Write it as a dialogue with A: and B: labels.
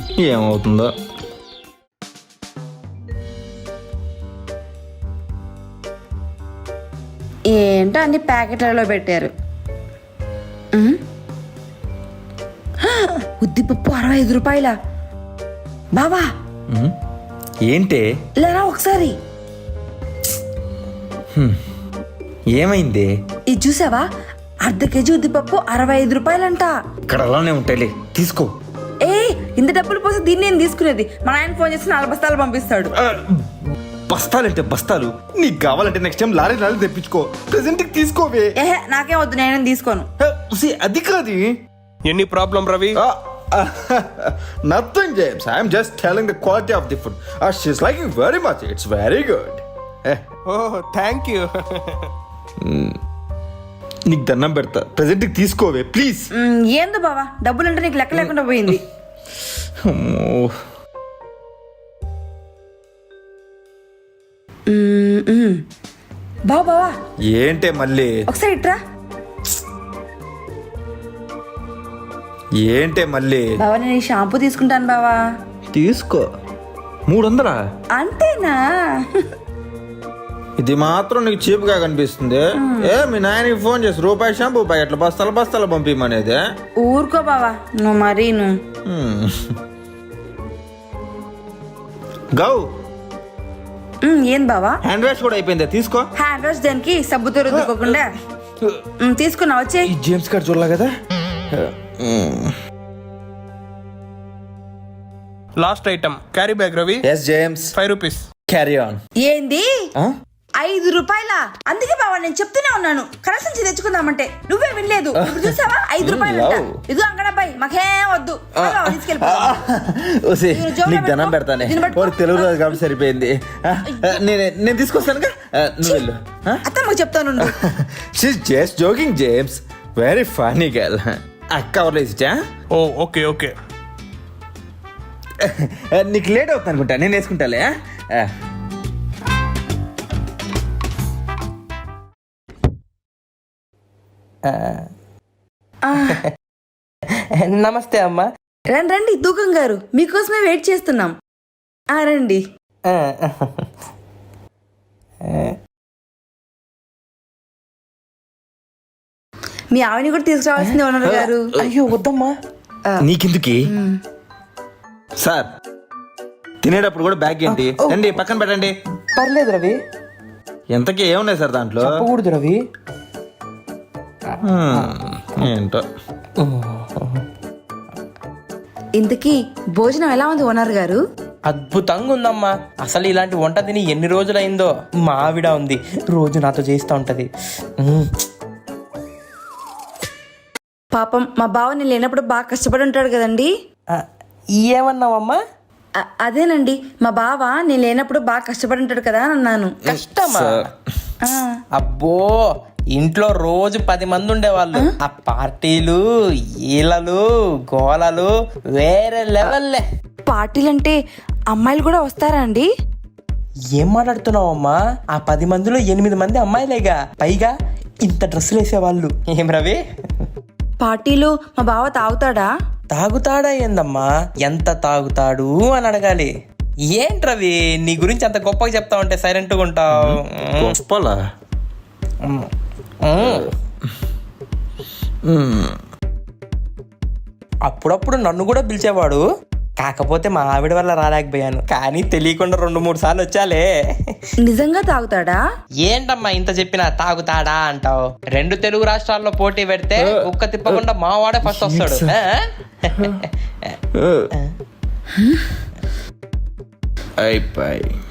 A: ఏమవుతుందో.
B: ఏంటో అన్ని ప్యాకెట్లలో పెట్టారు. ఉద్దిపప్పు 65 రూపాయల. బావా
A: ఏంటే?
B: లేరా ఒకసారి.
A: ఏమైంది?
B: ఇది చూసావా? అర్ధ కేజీ ఉద్దిపప్పు 65 రూపాయలంట.
A: ఇక్కడ అలానే ఉంటాయిలే, తీసుకో.
B: ఇంత డబ్బులు పోసి దీన్ని నేను తీసుకునేది. మా ఆయన ఫోన్ చేసి 4 బస్తాలు పంపిస్తాడు.
A: బస్తాలంటే బస్తాలు. నీకు కావాలంటే నెక్స్ట్ టైం లారీ తెప్పించుకో. ప్రెసెంట్ తీసుకోవే.
B: నాకేం వద్దు, నేను తీసుకోను.
A: అది కాదు.
C: ఎన్ని problem Ravi?
A: Nothing, James. I'm just telling the quality of the food. She's liking very much. It's very good.
C: Oh thank you.
A: నీకు దండం పెడతా, ప్రెసెంట్ తీసుకోవే ప్లీజ్.
B: ఏందో బావా, డబ్బులంటే నీకు లెక్క లేకుండా పోయింది. బావా
A: ఏంటే మళ్ళీ?
B: ఒకసారి ఇట్రా.
A: ఏంటే మళ్ళీ?
B: బావా నేను ఈ షాంపూ తీసుకుంటాను బావా.
A: తీసుకో. 300?
B: అంతేనా?
A: ఇది మాత్రం నీకు చీప్ గా కనిపిస్తుంది. మీ నాయనకి ఫోన్ చేసి రూపాయి షాంపూ ప్యాకెట్లు బస్తాలు పంపిమనేది.
B: ఊరుకో బావా నువ్వు మరీ నువ్వు.
A: గౌ
B: ఏం బావా?
A: హ్యాండ్ వాష్ కూడా అయిపోయింది, తీసుకో.
B: హ్యాండ్ వాష్ దానికి సబ్బుతో రుద్దుకోకుండా తీసుకున్నా. వచ్చే
A: ఈ జేమ్స్ గారు చూడలే కదా.
C: Last item carry bag Ravi.
A: Yes James.
C: 5 rupees.
A: Carry on.
B: ఏంది 5 రూపాయల? అందుకే బావా నేను చెప్తూనే ఉన్నాను కరెక్ట్ నుంచి తెచ్చుకుందామంటే నువ్వే వినలేదు. ఇప్పుడు చూసావా 5 రూపాయలు. ఇది అంగడబ్బాయి మాకేం వద్దు.
A: నీకు ధనం పెడతానే. తెలుగు రోజు కాబట్టి సరిపోయింది. నేను తీసుకొస్తానుగా, నువ్వు వెళ్ళు.
B: అత్తమ్మకు చెప్తాను.
A: She's just joking James. Very funny girl. అక్క ఎవరు ఇచ్చా?
C: Oh okay okay.
A: నీకు లేట్ అవుతుంది అనుకుంటా, నేను వేసుకుంటాలే.
D: నమస్తే అమ్మా.
B: రండి దూకం గారు, మీకోసమే వెయిట్ చేస్తున్నాం. రండి. మీ ఆవిని కూడా తీసుకురావాల్సింది ఓనర్ గారు.
D: అయ్యో వద్దమ్మా.
A: నీకెందుకి సార్? తినేటప్పుడు కూడా బ్యాగ్ ఏంటి? రండి పక్కన పెట్టండి.
D: పర్లేదు రవి.
A: ఎంతకీ ఏమున్నాయి సార్ దాంట్లో?
D: చెప్పకూడదు రవి.
A: ఏంటో.
B: ఇంతకీ భోజనం ఎలా ఉంది ఓనర్ గారు?
D: అద్భుతంగా ఉందమ్మా. అసలు ఇలాంటి వంట తిని ఎన్ని రోజులైందో. మా ఆవిడ ఉంది, రోజు నాతో చేస్తూ ఉంటది.
B: పాపం మా బావ నేను లేనప్పుడు బాగా కష్టపడి ఉంటాడు కదండి.
D: ఏమన్నావమ్మా?
B: అదేనండి, మా బావ నేను లేనప్పుడు బాగా కష్టపడి ఉంటాడు కదా అని అన్నాను.
D: కష్టమా? అబ్బో, ఇంట్లో రోజు 10 మంది ఉండేవాళ్ళు. ఆ పార్టీలు, ఈలలు, గోలలు వేరే లెవెల్లే.
B: పార్టీలంటే అమ్మాయిలు కూడా వస్తారా అండి?
D: ఏం మాట్లాడుతున్నావమ్మా? ఆ 10 మందిలో 8 మంది అమ్మాయిలేగా. పైగా ఇంత డ్రెస్సులు వేసేవాళ్ళు. ఏం రవి?
B: పార్టీలు మా బావ తాగుతాడా?
D: తాగుతాడా ఏందమ్మా? ఎంత తాగుతాడు అని అడగాలి. ఏంట్రవి నీ గురించి అంత గొప్పగా చెప్తా ఉంటే సైలెంట్గా ఉంటావు.
A: గొప్పలా?
D: అప్పుడప్పుడు నన్ను కూడా పిలిచేవాడు. కాకపోతే మా ఆవిడ వల్ల రాలేకపోయాను. కానీ తెలియకుండా 2-3 సార్లు వచ్చాలే.
B: నిజంగా తాగుతాడా?
D: ఏంటమ్మా ఇంత చెప్పినా తాగుతాడా అంటావు? 2 తెలుగు రాష్ట్రాల్లో పోటీ పెడితే కుక్క తిప్పకుండా మా వాడే ఫస్ట్ వస్తాడు.
A: అయిపోయి